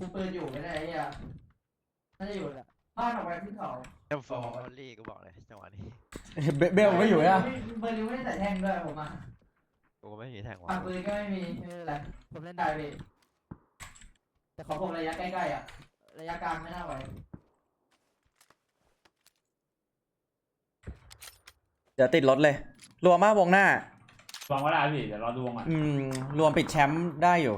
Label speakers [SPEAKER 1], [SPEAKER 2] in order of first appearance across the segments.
[SPEAKER 1] คุมปืนอยู่ไม่ได้ไอ้เหี้ยน่าจะอยู่แหละบ้านออกไปขึ้นเขา
[SPEAKER 2] เอ็มโฟร์ลี่กูบอกเลยจังหวะนี้
[SPEAKER 3] เบลไม่อยู่อ่ะ
[SPEAKER 1] เบอร์ลิวไม่ได้ใส่แท่งด้วยผมอ่ะ
[SPEAKER 2] กูก็ไม่มีแทงวะ
[SPEAKER 1] ปากปืนก็ไม่มีไม่เป็นไรผมเล่นได้พี่แต่ขอผมระยะใกล้ๆอ่ะระยะกลางไม่น่าไหว
[SPEAKER 3] เดี๋ยวติดรถเลยรวมมากวงหน้า
[SPEAKER 4] ลองก็ได้พี่เดี๋ยวรอดูวงอ่ะ
[SPEAKER 3] รวมปิดแชมป์ได้อยู่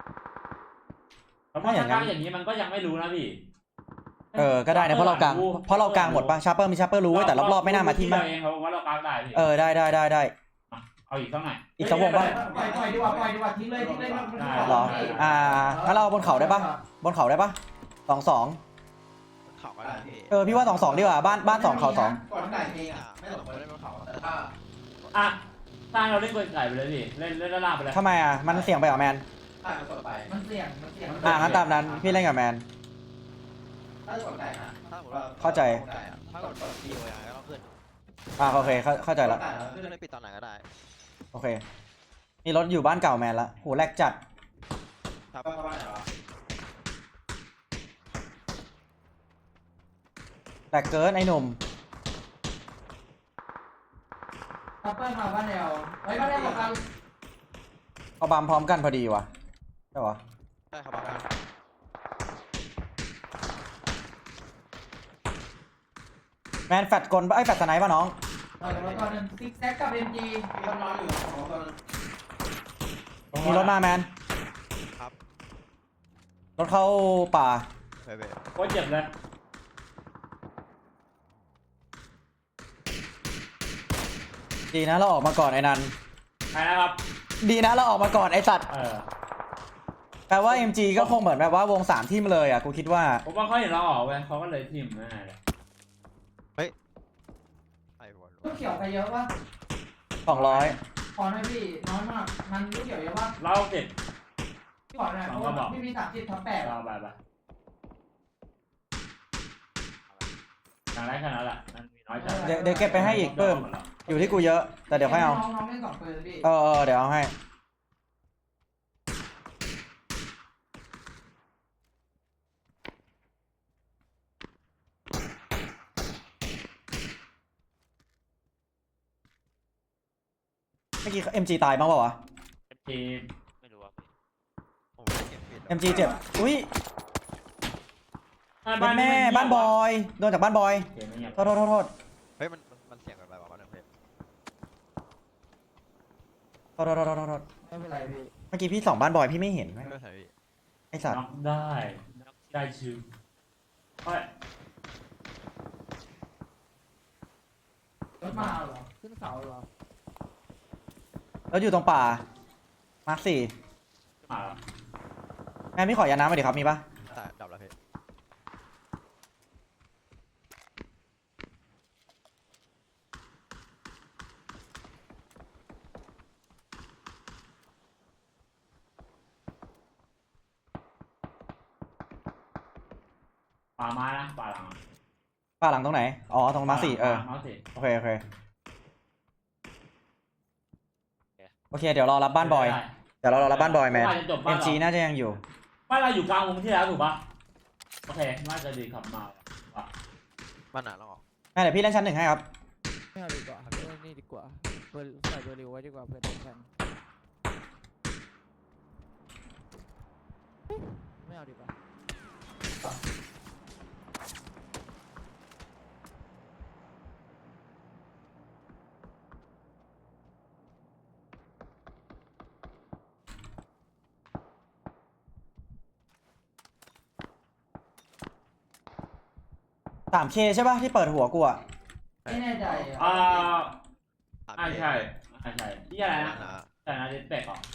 [SPEAKER 4] แล้วพอถ้ากลางอย่างนี้มันก็ยังไม่รู้นะพี่
[SPEAKER 3] ก็ได้นะเพราะเรากลางหมดป่ะชาร์เปอร์มีชาร์เปอร์รู้แต่รอบๆไม่น่ามาที่
[SPEAKER 4] มา
[SPEAKER 3] มั้ง
[SPEAKER 4] เองเขาบอกว่าเรากลางได้พี่
[SPEAKER 3] ได้
[SPEAKER 4] เอาอีกสักหน่อย
[SPEAKER 3] อีกสักวงป่ะ
[SPEAKER 1] ปล่อยดีกว่าทิ้งเลยไม่
[SPEAKER 3] หรองั้นเราบนเขาได้ป่ะบนเขาได้ป่ะ2-2
[SPEAKER 2] เขาก็ได้พี่
[SPEAKER 3] พี่ว่า2-2ดีกว่าบ้าน2เขา2
[SPEAKER 1] ก่อนไก่เองอ่ะไม่หลบ
[SPEAKER 2] ไม่ได้บนเขา
[SPEAKER 1] แต่ถ้า
[SPEAKER 4] อ่ะสร้างเราเล่นกลไก่ไปเลยพี่เล่นด้านล่างไปเลย
[SPEAKER 3] ทำไมอ่ะมันเสี่ยงไปเหรอแมน
[SPEAKER 1] ถ้ามันกดไปมันเสี่ยง
[SPEAKER 3] งั้นตามนั้นพี่เล่นกับแมน
[SPEAKER 1] ถ้าจะกดไก่นะ
[SPEAKER 2] ถ้าสมมติว่า
[SPEAKER 3] เข้าใจ
[SPEAKER 2] ถ้ากดดีโอยังก็ต้องขึ้น
[SPEAKER 3] โอเคเข้าใจละ
[SPEAKER 2] ขึ้นได้ปิดตอนไหนก็ได้
[SPEAKER 3] โอเคมีรถอยู่บ้านเก่าแมนละโหแรกจัด
[SPEAKER 2] ครับ
[SPEAKER 1] เข้าบ้านไหนวะ
[SPEAKER 3] แรกเกินไอ้หนุ่ม
[SPEAKER 1] คัพเปอร์มาบ้านเดียวไว้บ้านเดียวกับกัน
[SPEAKER 3] เอาบัมพร้อมกันพอดีวะใช่ปะ
[SPEAKER 2] ได้ครับบ้าน
[SPEAKER 3] แมนแฟดกลแฟดสไนป์ป่ะน้อง
[SPEAKER 1] แล้วก็นึงซิกแซกกับเอ็มจีมีคนนอนอยู่ของคน
[SPEAKER 3] มีรถมาแมน
[SPEAKER 2] ครับ
[SPEAKER 3] รถเข้าป่า
[SPEAKER 2] เบเบ
[SPEAKER 4] โคตรเจ็บเลย
[SPEAKER 3] ดีนะเราออกมาก่อนไอ้นัน
[SPEAKER 4] ไปนะครับ
[SPEAKER 3] ดีนะเราออกมาก่อนไอ้สัตว์ แปลว่า MG ก็คงเหมือนแบบว่าวง3ที่มาเลยอ่ะกูคิดว่า
[SPEAKER 4] ผมว่าเขาเห็นเราออกเว้ยเขาก็เลยทิมแน่เลย
[SPEAKER 2] ไอ้หัว
[SPEAKER 1] ลูกเขียวใครเยอะวะ
[SPEAKER 3] 200
[SPEAKER 1] ขอหน่อยพี่น้อยมากมันลูกเขียวเยอะวะ
[SPEAKER 4] เราเจ็บ
[SPEAKER 1] ขอหน่อยเพราะว่าพี่มี30/8
[SPEAKER 4] เราไปอย่างไรขนาดนั้นแหละมันมีน้อยจัด
[SPEAKER 3] เดี๋ยวเก็บไปให้อีกเพิ่มอยู่ที่กูเยอะแต่เดี๋ยวค่อยเอา
[SPEAKER 1] น้องเล่น2 ปืนพี่
[SPEAKER 3] เดี๋ยวเอาให้เมื่อกี้ MG ตายบ้างเปล่าวะ
[SPEAKER 4] ทีม
[SPEAKER 2] ไม่รู้ว่าผมไม่เก็บปิด
[SPEAKER 3] MG เจ็บอุ้ยเป็นแม่บ้านบอยโดนจากบ้านบอย
[SPEAKER 4] เกมไม่เงียบ
[SPEAKER 3] โทษ
[SPEAKER 2] เฮ้ยมันเสียงกันไปวะเนี่ยเพชร
[SPEAKER 1] ไม่เป็นไรพี่
[SPEAKER 3] เมื่อกี้พี่ส่องบ้านบอยพี่ไม่เห็น
[SPEAKER 2] ไม่เป็นไรพี่
[SPEAKER 3] ไอสัตว์
[SPEAKER 4] น็อกได้ชิวไป
[SPEAKER 1] รถมาเหรอขึ้นเขาเหรอ
[SPEAKER 3] แล้วอยู่ตรงป่ามาร์ค
[SPEAKER 4] มาแล้ว
[SPEAKER 3] 4แม่พี่ขอยาน้ำมาดิครับมีปะ
[SPEAKER 2] แต่ดับแล้วเพชร
[SPEAKER 4] ป่าไม้นะป่าหลัง
[SPEAKER 3] ป่าหลังตรงไหนตรงมาร์ค 4
[SPEAKER 4] มาร์คสี่
[SPEAKER 3] โอเคโอเคเดี๋ยวรอรับบ้านบอยเดี๋ยวเรารอรับบ้านบอยแมน MG น่าจะยังอยู่
[SPEAKER 4] บ้านเราอยู่กลางวงที่แล้วถูกปะโอเคน่าจะดีขับมาว่ะ
[SPEAKER 2] บ้านหนาเราออก
[SPEAKER 3] แม่เดี๋ยวพี่เล่นชั้น 1ให้ครับ
[SPEAKER 5] ไม่เอาดีกว่าเล่นนี่ดีกว่าใส่เบอร์ริวไว้ดีกว่าเพื่อนแข่งไม่เอาดีกว่า
[SPEAKER 3] 3K ใช่ปะที่เปิดหัวกูอะ
[SPEAKER 1] ไม่แน่ใจ
[SPEAKER 4] ใช่ที่อะไรนะ
[SPEAKER 2] นะ
[SPEAKER 4] แต่นะเด็ดเป็กอ่ะ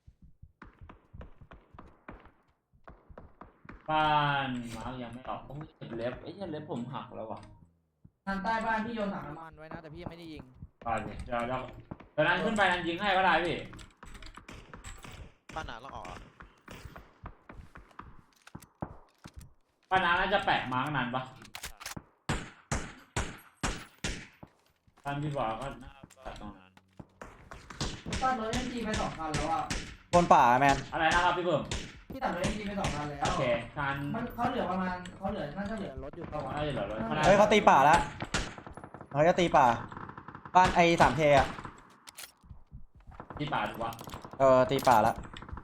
[SPEAKER 4] บ้านมาร์กยังไม่ออกโอ้ยเจ็บเล็บไอ้เนี่ยเล็บผมหักแล้วว่ะ
[SPEAKER 1] ทางใต้บ้านพี่โยนถังน้ำมัน
[SPEAKER 5] มันไว้นะแต่พี่ยังไม่ได้ยิง
[SPEAKER 4] ไปดิเดี๋ยวตอนนั้นขึ้นไปนั้นยิงให้ก็ได้พี่
[SPEAKER 2] บ้านหนาเราออกอ่ะ
[SPEAKER 4] ป้านาน่าจะแปะมาร์กนานปะท่านพี่บอกก็น่าจะตรงนั้น
[SPEAKER 1] ตอนรถ MG ไป2 คันแล้วอ่ะ
[SPEAKER 3] บนป่าแมน
[SPEAKER 4] อะไรนะครับพี่เบิ่ม
[SPEAKER 5] พี่
[SPEAKER 1] ที่ตัดรถเอ็มจีไป2 คันแล้ว
[SPEAKER 4] โอเคการ
[SPEAKER 1] มันเขาเหลือประมาณเขาเหลือน่าจะเหลือรถอยู่ประมาณ
[SPEAKER 4] น่าจะเหลือรถ
[SPEAKER 3] เฮ้ยเขาตีป่าแล้วเขาจะตีป่าบ้านไอ้3K อ่ะ
[SPEAKER 4] ที่ป่าถูกปะ
[SPEAKER 3] ตีป่าแล้ว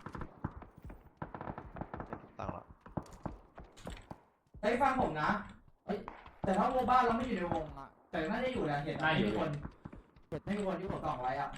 [SPEAKER 2] ตังค์ละ
[SPEAKER 1] เฮ้ยฟังผมนะเฮ้ยแต่ถ้าวงบ้านเราไม่อยู่ในวงอ่ะแต่น่าจะอยู่แหละเห็นไม่มีคนไม่มีคนที่ผมส่องไว้อ่ะ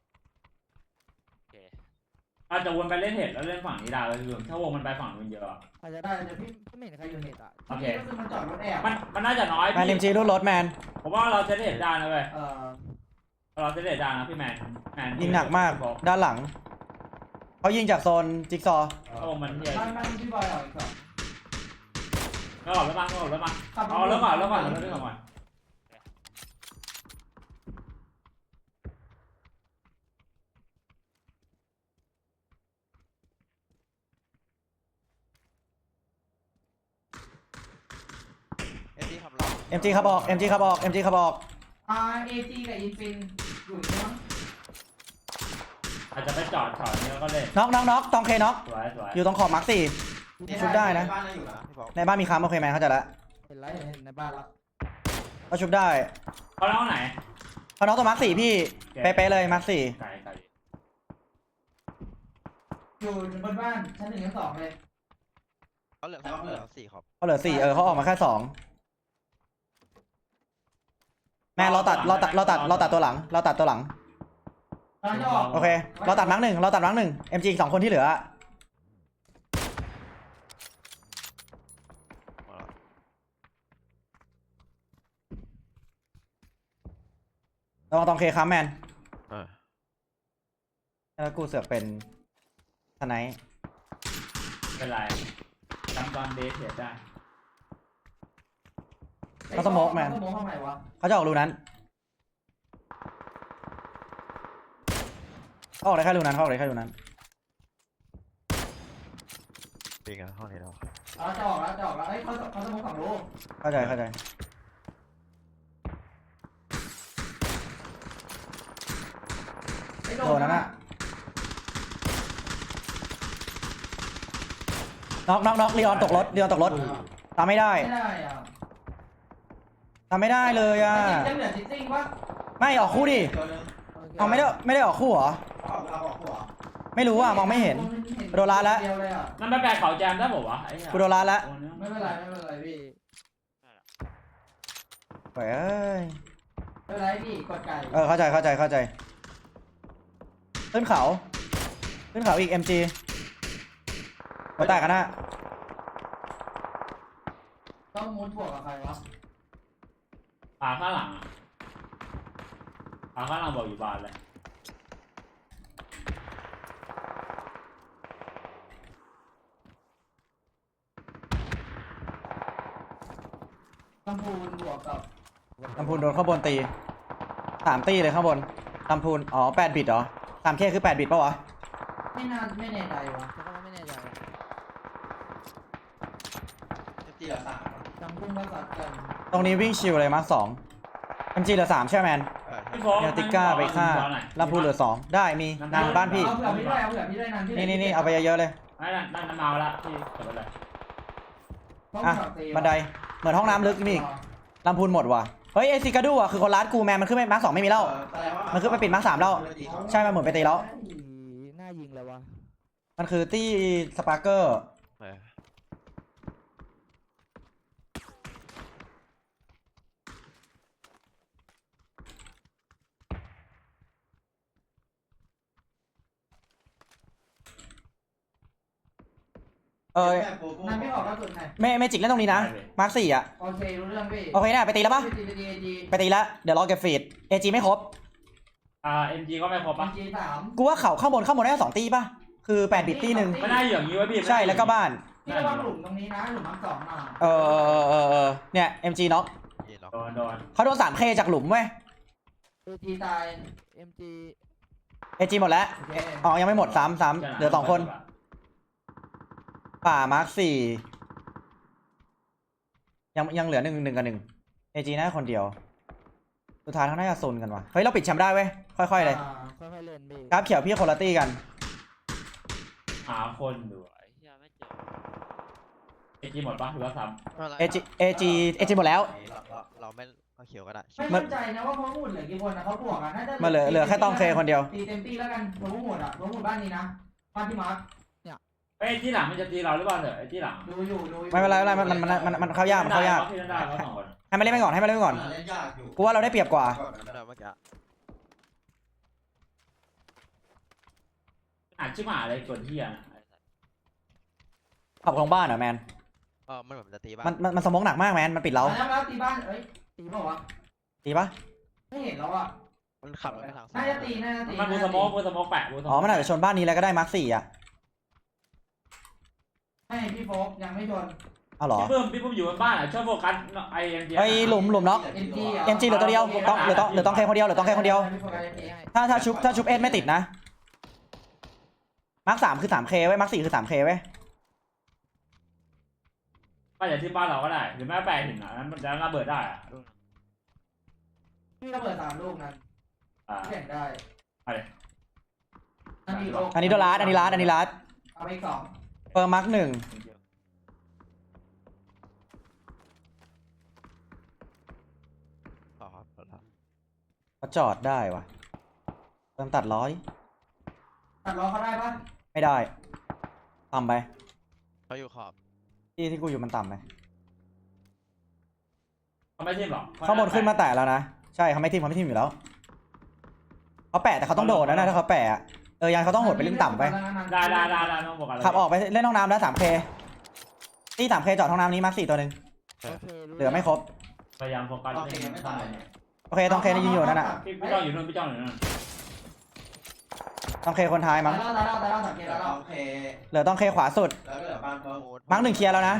[SPEAKER 4] อาจจะวนไปเล่นเห็ดแล้วเล่นฝั่งนี้ได้เลยคือถ้าวงมันไปฝั่งนู้นเยอะอะ
[SPEAKER 5] อาจจะ
[SPEAKER 1] ได้
[SPEAKER 5] ได้
[SPEAKER 1] แต่พี่
[SPEAKER 5] ไม่เห็นใครอยู่เน็ตอ่ะ
[SPEAKER 4] โอเค
[SPEAKER 1] ก็คือมันจอดรถแอบ
[SPEAKER 4] มันน่าจะน้อย
[SPEAKER 3] แมน
[SPEAKER 4] พี่
[SPEAKER 3] MG รูดรถแมน
[SPEAKER 4] ผมว่าเราจะเล่นเห็ดได้นะเว้ย
[SPEAKER 1] เอ่อ
[SPEAKER 4] เราจะเล่นเห็ดได้นะพี่แมน
[SPEAKER 3] ยิงหนักมากด้านหลังเขายิงจากโซนจิ๊กซอว์
[SPEAKER 4] ถ้าวงมันเยอะ
[SPEAKER 1] มันพี่บอยออกอีก2
[SPEAKER 4] แล้วก่อนแล้วมาเอาแล้วก่อนแล้วก่อนแล้วเรื่องก่อน
[SPEAKER 2] MG ขับหลัง
[SPEAKER 3] MG ขับออก MG ขับออก MG ขับออก
[SPEAKER 1] AG กับอินฟินอยู่ใช่ไหม
[SPEAKER 4] อาจจะไปจอดนี้แล้วก็เล่น
[SPEAKER 3] น็อกตองเคน็อก
[SPEAKER 4] สวย
[SPEAKER 3] อยู่ตรงขอบมาร์ค4 ชุบได้นะ
[SPEAKER 2] บ้านน่าอยู่นะพี่บอก
[SPEAKER 3] ในบ้านมีค้ำโอเคแมนเข้าใจแล้ว
[SPEAKER 1] เห็นไรเห็นในบ้านแล้ว
[SPEAKER 3] เขาชุบได้
[SPEAKER 4] เขาเล่าไหน
[SPEAKER 3] เขาน็อกตัวมาร์ค4พี่เป๊ะๆเลยมาร์ค4
[SPEAKER 4] ไกล
[SPEAKER 1] อยู่บนบ้านชั้น1 ชั้น 2เลย
[SPEAKER 2] เขาเหลือ4ครับ
[SPEAKER 3] เขาเหลือ4เขาออกมาแค่2แม่เราตัดตัวหลังเราตัดตัวหลัง
[SPEAKER 1] ตอนจะออก
[SPEAKER 3] โอเคเราตัดมาร์ค1เราตัดมาร์ค1 MG อีก2 คนที่เหลือ
[SPEAKER 2] มาแล้ว
[SPEAKER 3] ระวังตองเคค้ำแมน
[SPEAKER 2] อ่า
[SPEAKER 3] แล้วกูเสือกเป็นทนาย
[SPEAKER 4] เป็นไรจำตอนเดทเห็ดได้
[SPEAKER 3] เขาสโมกแมน
[SPEAKER 1] สโมกเข้าไหนวะ
[SPEAKER 3] เขาจะออกรูนั้นเขาออกได้แค่รูนั้นเขาออกได้แค่รูนั้น
[SPEAKER 2] ปีกันห้องนี้แล้ว
[SPEAKER 1] จะออกแล้วเอ้ยเขาสโมก2 รู
[SPEAKER 3] เข้าใจ
[SPEAKER 1] ไม่
[SPEAKER 3] โดนนั่นน่ะน็อกลีออนตกรถทำไม่ได้
[SPEAKER 1] ไม่ได้อ่ะ
[SPEAKER 3] ทำไม่ได้เลยอ่ะ
[SPEAKER 1] ยังเหลือซิตติ้งวะ
[SPEAKER 3] ไม่ออกคู่ดิ
[SPEAKER 2] ตัวนึง
[SPEAKER 3] เอาไม่ได้ออกคู่เหรอ
[SPEAKER 2] เอาออกหัว
[SPEAKER 3] ไม่รู้อ่ะมองไม่เห็น โดนร้านแล้ว
[SPEAKER 1] เดียวเลยอ่ะ
[SPEAKER 4] นั่นไปแปลเขาแจมได้บอกวะไอ้เหี้ย
[SPEAKER 3] กูโดนร้านแล้ว
[SPEAKER 1] ไม่เป็นไรพี่
[SPEAKER 3] เฮ้ย
[SPEAKER 1] ไม่เป็นไรพี่กดไก่
[SPEAKER 3] เข้าใจขึ้นเขาอีก MG มาแตกกันนะ
[SPEAKER 1] ต้องมุดบวกกับใครวะ
[SPEAKER 4] ขาข้างหลังบอกอยู่บ้านเลย
[SPEAKER 1] ลำพูนบวกกับ
[SPEAKER 3] ลำพูนโดนข้างบนตี3 ตีเลยข้างบนลำพูน8 บิตเหรอ3Kคือ8 บิตป่าวะ
[SPEAKER 1] ไม่แน่ใจวะ
[SPEAKER 5] แต่ก็ไม่แน่ใจ
[SPEAKER 2] MG เหลือ3
[SPEAKER 1] ลำพูนก็สัตว์กัน
[SPEAKER 3] ตรงนี้วิ่งชิวเลยมาร์ค2 MG เหลือ3ใช่ไหมแมน
[SPEAKER 4] พี่โฟ
[SPEAKER 3] เนลติก้าไปฆ่าลำพูนเหลือ2ได้มีนางบ้านพี่
[SPEAKER 1] เอาเผื่อพี่ได้นั้นพี่
[SPEAKER 3] นี่เอาไปเยอะๆเลย
[SPEAKER 4] นั่นเมาละพี่เก็บไปเลย
[SPEAKER 3] อ่ะบันไดเหมือนห้องน้ำลึกมีอีกลำพูนหมดว่ะเฮ้ยไอซิกาดูอ่ะคือคนร้านกูแมนมันขึ้นไปมาร์ค2ไม่มีแล้วมันขึ้นไปปิดมาร์ค3แล้วใช่มันหมุนไปตีแล้ว
[SPEAKER 5] น่ายิงเลยวะ
[SPEAKER 3] มันคือตี้สปาร์เกอร์
[SPEAKER 1] นั่นไม่ออกกระสุนไหน
[SPEAKER 3] ไม่จิกเล่นตรงนี้นะมาร์ค4อ่ะ
[SPEAKER 1] โอเครู้เรื่องพี่
[SPEAKER 3] โอเคนะไปตีแล้วปะ ไปตีแล้วเดี๋ยวรอเก็บฟีดAGไม่ครบ
[SPEAKER 4] MG ก็ไม่ครบปะ
[SPEAKER 1] จี3
[SPEAKER 3] กูว่าเขาข้างบนได้2 ตีป่ะคือ8 บิตตีหนึ่ง
[SPEAKER 4] ไม่น่าอยู่อย่างนี้วะพี่
[SPEAKER 3] ใช่แล้วก็บ้าน
[SPEAKER 1] พี่ระวังหลุมตรงนี้นะหลุมทั้ง2มา
[SPEAKER 3] เนี่ย MG น็อก
[SPEAKER 4] โดน
[SPEAKER 3] เขาโดน 3K จากหลุมเว้ย
[SPEAKER 1] จีตาย
[SPEAKER 5] MG
[SPEAKER 3] AG หมดแล้ว
[SPEAKER 1] โอเค
[SPEAKER 3] อ๋อยังไม่หมด3เหลือ2 คนป่ามาร์ค4ยังเหลือ1กับ1 AG น่าคนเดียวสุดท้ายเขาน่าจะโซนกันว่ะเฮ้ยเราปิดแชมป์ได้เว้ยค่อยๆเลย
[SPEAKER 5] ค่อยๆเล่นพี่
[SPEAKER 3] กราฟเขียวพี่คนละตี้กัน
[SPEAKER 4] หาคนดูไอ้เหี้ยไม่เอจีหมดปะหรือว่าซ้
[SPEAKER 3] เอจีหมดแล้ว
[SPEAKER 2] เราไม่เอาเขียวก็ได้
[SPEAKER 1] ไม่มั่นใจนะว่าพวกหมุดเหลือกี่คนนะเขาบวกอ่ะน่าจะ
[SPEAKER 3] มาเหลือแค่ต้องเคคนเดียว
[SPEAKER 1] ตีเต็มที่แล้วกันพวกหมุดอ่ะพวกหมุดบ้านนี้นะบ้านที่มาร์ค
[SPEAKER 4] ำไอ้ที่หลังมันจะตีเราหรือเปล่าเถอะไอ้ที่หลัง
[SPEAKER 1] ดูอยู่
[SPEAKER 3] ไม่เป็นไรมันเข้ายากมันเข้ายาก
[SPEAKER 4] พี่ได้แล้วสองคน
[SPEAKER 3] ให้มันเล่นไปก่อนให้มันเล่นไปก่อน
[SPEAKER 2] เล่นยากอยู่
[SPEAKER 3] กูว่าเราได้เปรียบกว่า
[SPEAKER 2] เมื่อกี้
[SPEAKER 4] อ่านชื่อหมาอะไรกดเฮีย
[SPEAKER 3] ขับของบ้านเหรอแมน
[SPEAKER 2] มันเหมือนจะตีบ้า
[SPEAKER 3] มันสมองหนักมากแมนมันปิดเรา
[SPEAKER 1] แล้วตีบ้านเอ้ยตีเปล่าวะ
[SPEAKER 3] ตีปะ
[SPEAKER 1] ไม่เห็นแล้วอ่ะ
[SPEAKER 2] มันขับไปทาง
[SPEAKER 1] น่าจะตี
[SPEAKER 4] มันบูสโมกแปะบูสโมก
[SPEAKER 3] อ๋อมันอาจจะชนบ้านนี้แล้วก็ได้มาร์ค4อ่ะ
[SPEAKER 1] ไม่พี่โฟกยังไม่ชน
[SPEAKER 3] เอาเหรอ
[SPEAKER 4] พี่ปุ้มอยู่บนบ้านอ่ะชอบโฟกัสไอ้ยัง
[SPEAKER 3] ไอ้หลุมน็อก
[SPEAKER 1] เอ็มจี
[SPEAKER 3] เหลือตัวเดียวต้องเหลือต้องเคคนเดียวเหลือต้องเคคนเดียว ถ้าชุบเอสไม่ติดนะมาร์ค3คือ 3K ไว้มาร์ค4คือ 3K ไว้
[SPEAKER 4] ก็อย่าที่บ้านเราก็ได้หรือแม่แปะถึงอ่ะมันจะระเบิดได้อ่ะ
[SPEAKER 1] พี่ระเบิด3ลูกนั้นแข่งได้
[SPEAKER 3] อันนี้โดนลัดอันนี้ลัด
[SPEAKER 1] เอาไปอีก2
[SPEAKER 3] เปิดมาร์ค1เขาจอดได้วะเติมตัดร้อย
[SPEAKER 1] ตัดล้อเขาได้ปะ
[SPEAKER 3] ไม่ได้ต่ำไป
[SPEAKER 2] เขาอยู่ขอบ
[SPEAKER 3] ที่กูอยู่มันต่ำไป
[SPEAKER 4] เขาไม่ทิ่มหรอก
[SPEAKER 3] ข้างบนขึ้นมาแตะแล้วนะใช่เขาไม่ทิ่มอยู่แล้วเขาแปะแต่เขาต้องโดดนะถ้าเขาแปะยังเขาต้องโหดไปเล่นต่ำไป
[SPEAKER 4] ได้ต้องบอกอะไร
[SPEAKER 3] ขับออกไปเล่นห้องน้ำแล้ว 3K ที่ 3K จอดห้องน้ำนี้มาร์ค4ตัวหนึ่ง
[SPEAKER 5] โอเครู้
[SPEAKER 3] เหลือไม่ครบ
[SPEAKER 4] พยายามโฟกัส
[SPEAKER 2] โอเคยังไม่ตาย
[SPEAKER 3] โอเคต้องเคยิงอยู่นั่นน่ะ
[SPEAKER 4] พี่จ้องอยู่นู่นพี่จ้องอยู่นู่น
[SPEAKER 3] ต้องเคคนท้ายมั้ง
[SPEAKER 1] ตายแล้วสังเกตแล้ว
[SPEAKER 2] โอเค
[SPEAKER 3] เหลือต้องเคขวาสุด
[SPEAKER 2] แล้วก็เหลือบ้านเพิ่ม
[SPEAKER 3] มาร์ค1เคลียร์แล้วนะ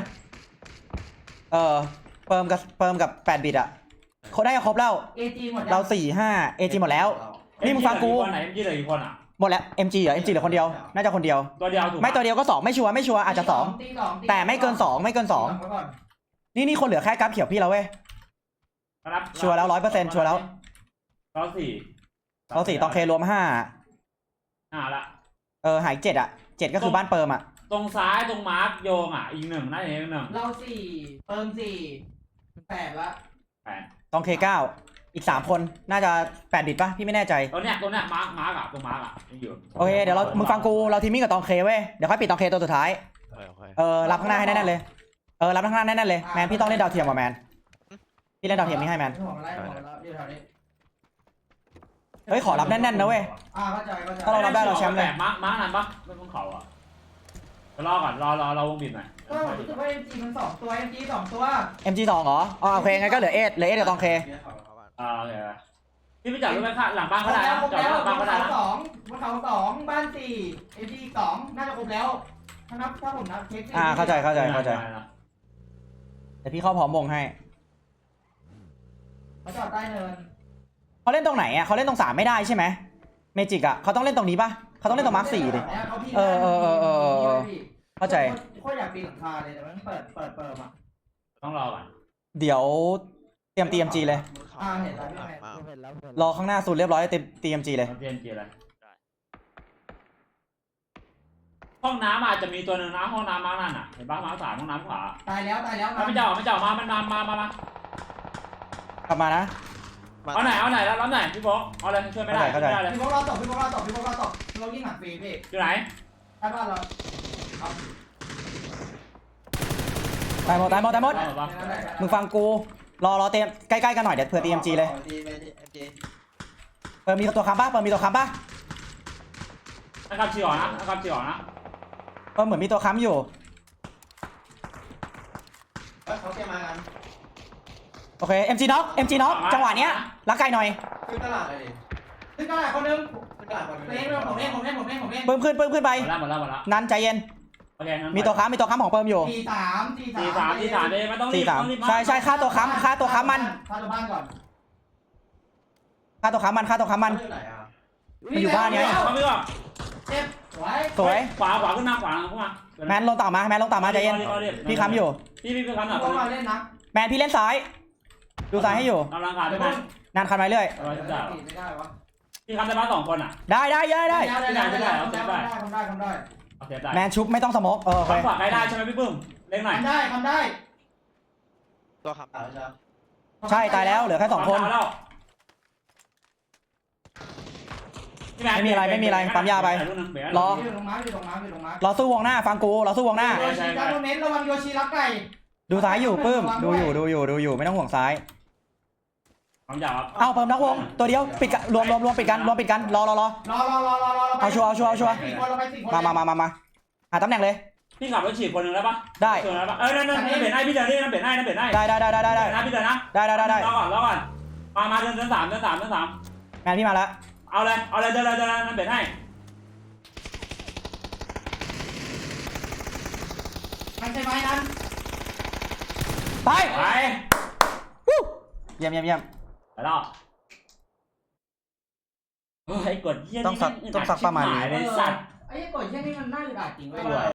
[SPEAKER 3] เปิมกับ8บิตอ่ะเขาได้ครบแล้ว
[SPEAKER 1] เอจีหมด
[SPEAKER 3] เรา4-5 AG หมดแล้ว นี่มึงฟังกู
[SPEAKER 4] ไหนพี่เหลือกี่คนอ่ะ
[SPEAKER 3] หมดแล้ว MG เหรอ MG เหลือคนเดียวน่าจะคนเดียว
[SPEAKER 4] ตัวเดียวถูก
[SPEAKER 3] ไม่ตัวเดียวก็2ไม่ชัวร์อาจจะ2แต่ไม่เกิน2นี่คนเหลือแค่กราฟเขียวพี่แล้วเว้ยชัวร์แล้ว 100%ชัวร์แล้ว
[SPEAKER 4] เราสี่
[SPEAKER 3] เรา4ต้องเครวม5
[SPEAKER 4] ละ
[SPEAKER 3] หาย7อ่ะ7ก็คือบ้านเปิมอ่ะ
[SPEAKER 4] ตรงซ้ายตรงมาร์กโยงอ่ะอีก1น่าจะอีก1
[SPEAKER 1] เรา4เติม4 8ละ
[SPEAKER 3] ต้องเค9อีก3คนน่าจะ8บิตป่ะพี่ไม่แน่ใจ
[SPEAKER 4] ตัวเนี้ยมาร์กอ่ะตรงมาร์กอ่ะยังอยู่
[SPEAKER 3] โอเคเดี๋ยวมึงฟังกูเราทีมมิ่งกับตองเคเว้ยเดี๋ยวค่อยปิดตองเคตัวสุดท้ายรับข้างหน้าให้แน่นๆเลยรับข้างหน้าแน่นๆเลยแมนพี่ต้องเล่นดาวเทียมว่ะแมนพี่เล่นดาวเทียมนี่ให้แมน
[SPEAKER 1] ผมอะไรอยู่แถวนี้
[SPEAKER 3] เฮ้ยขอรับแน่นๆนะเว้ย
[SPEAKER 1] เข้าใจ
[SPEAKER 3] ถ้าเรารับได้เราแชมป์เลย
[SPEAKER 4] มาร์กนั้นปะไม่ต้องเขาอ่ะรอก่อนรอวงบิดหน่อย
[SPEAKER 1] ก็รู้สึกว่า MG มัน2ตัว MG 2ตัว
[SPEAKER 3] MG 2เหรอโอเคงั้นก็เหลือเอสกับตองเค
[SPEAKER 4] โอเคพี่ไปจอดรถไฟฟ้าหลังบ้านก็ได้จอดรถหลังบ้านก็ได้นะ
[SPEAKER 1] บนเขา2บ้าน4 MG 2น่าจะครบแล้วถ้าผมนับเช็ค
[SPEAKER 3] เข้าใจแต่พี่เข้าพร้อมวงให้
[SPEAKER 1] เขาจอดใต้เนิน
[SPEAKER 3] เขาเล่นตรงไหนอ่ะเขาเล่นตรง3ไม่ได้ใช่ไหมเมจิกอ่ะเขาต้องเล่นตรงนี้ป่ะเขาต้องเล่นตรงมาร์ค4ดิเข้าใจ
[SPEAKER 1] โคตรอยากปีนหลังคาเลยแต่มันเปิดอ่ะ
[SPEAKER 4] ต้องรอก่อน
[SPEAKER 3] เดี๋ยวเตรียม TMG เลย
[SPEAKER 1] เห็นแล้ว
[SPEAKER 5] เห็นแล้ว
[SPEAKER 3] รอข้างหน้าสุดเรียบร้อยเตรียม TMG เลย
[SPEAKER 4] เตรียมเกียร์อะไรห้องน้ำอาจจะมีตัวหนึ่งนะห้องน้ำมาร์กนั่นอ่ะเห็นปะมาร์ก3ห้องน้ำขวา
[SPEAKER 1] ตายแล้ว
[SPEAKER 4] ไม่เจ้ามามันมาก
[SPEAKER 3] ลับมานะ
[SPEAKER 4] เอาไหนแล้วรับไหนพี่บอกเอาอะไรช่วยไม่ได้เลย
[SPEAKER 1] พี่พวกเราตกเรายิงหนักฟรีพี่
[SPEAKER 4] อยู่ไหน
[SPEAKER 1] ใช่ป่ะเรา
[SPEAKER 3] ตายหมดมึงฟังกูรอเตรียมใกล้ๆกันหน่อยเดี๋ยวเผื่อ TMG เลยมีตัวค้ำป่ะ
[SPEAKER 4] นะครับชีออกนะ
[SPEAKER 3] เหมือนมีตัวค้ำอยู่
[SPEAKER 2] เขาเตรียมมากัน
[SPEAKER 3] โอเค MGน็อกจังหวะเนี้ยรักไกลหน่อย
[SPEAKER 2] ขึ้นตลาดเลยดิ
[SPEAKER 1] ขึ้นตลาดคนนึง
[SPEAKER 2] ขึ้นตลาดก่อน
[SPEAKER 1] ผมเล่น
[SPEAKER 3] เพิ่มขึ้นไป
[SPEAKER 4] หมดแล้ว
[SPEAKER 3] นั้นใจเย็น
[SPEAKER 4] โอเค
[SPEAKER 3] มีตัวค้ำของเพิ่มอยู่
[SPEAKER 1] 4-3
[SPEAKER 4] เลยไม่ต้องรีบ
[SPEAKER 3] ใช่ค่าตัวค้ำมัน
[SPEAKER 1] ฆ่าตัวบ้านก่อน
[SPEAKER 3] ค่าตัวค้ำมัน
[SPEAKER 2] อยู่ไหนอ่ะ
[SPEAKER 3] มันอยู่บ้านไง
[SPEAKER 4] เขาไม่บอก
[SPEAKER 1] เจ็บสวย
[SPEAKER 3] สวย
[SPEAKER 4] ขวาขึ้นมาขึ้นมา
[SPEAKER 3] แมนลงต่ำมาใจเย็นพี่ค้ำอยู่
[SPEAKER 4] พี่ค้ำหน่อย
[SPEAKER 1] พวกเราเล่นนะ
[SPEAKER 3] แมนพี่เล่นซ้ายดูซ้ายให้อยู่
[SPEAKER 4] กำลังขาดด้วย
[SPEAKER 3] นานคันไปเรื่อย
[SPEAKER 1] ไม่ได้วะ
[SPEAKER 4] พี่ค้ำได้บ้าน2คนอ่ะ
[SPEAKER 3] ได้
[SPEAKER 1] ได้
[SPEAKER 4] ได้
[SPEAKER 1] ทำได้
[SPEAKER 4] โอเคได้
[SPEAKER 3] แมนชุบไม่ต้องสโมกโอเค
[SPEAKER 4] ขวาได้ใช่ไหมพี่ปื้มเล่นหน่อย
[SPEAKER 1] ทำได้
[SPEAKER 6] ตัวขับ
[SPEAKER 3] ใช่ตายแล้วเหลือแค่2 คน ไม่มีอะไรปั๊มยาไป รอ
[SPEAKER 1] อยู่ตรงม้าอยู่ตรงม้า
[SPEAKER 3] เราสู้วงหน้าฟังกูเราสู้วงหน้า
[SPEAKER 1] โยชิดาโดเมนระวังโยชิรักไก่
[SPEAKER 3] ดูซ้ายอยู่ปื้มดูอยู่ไม่ต้องห่วงซ้าย
[SPEAKER 4] ปั๊มยาครับ
[SPEAKER 3] เอาเพิ่มนักวงตัวเดียวปิดกันรวมปิดกันรอ
[SPEAKER 1] รอ
[SPEAKER 3] เอาชัวร์
[SPEAKER 1] 4 คนเราไป4 คน
[SPEAKER 3] มาหาตำแหน่งเลย
[SPEAKER 4] พี่ขับรถฉีดคนหนึ่งแล้วปะ
[SPEAKER 3] ได้
[SPEAKER 4] คนแล้วปะนั่นเบนให้พี่เดินนี่นั่นเบนให้
[SPEAKER 3] ได้
[SPEAKER 4] นะพี่เดินนะรอก่อนมาเดิน3
[SPEAKER 3] แมนพี่มาแล้ว
[SPEAKER 4] เอาเลยเดินนั่นเบนให้
[SPEAKER 1] มันใช่ไหมนั้น
[SPEAKER 3] ไป
[SPEAKER 4] ไป
[SPEAKER 3] เยี่ยม
[SPEAKER 4] ไปแล้วไอ้กดเยี่ยนี่
[SPEAKER 3] ต้องสักประมาณนี้
[SPEAKER 4] เลยสัตว์
[SPEAKER 1] ไอ้กดแค่นี้มันน่าจะได้จริงเว้ย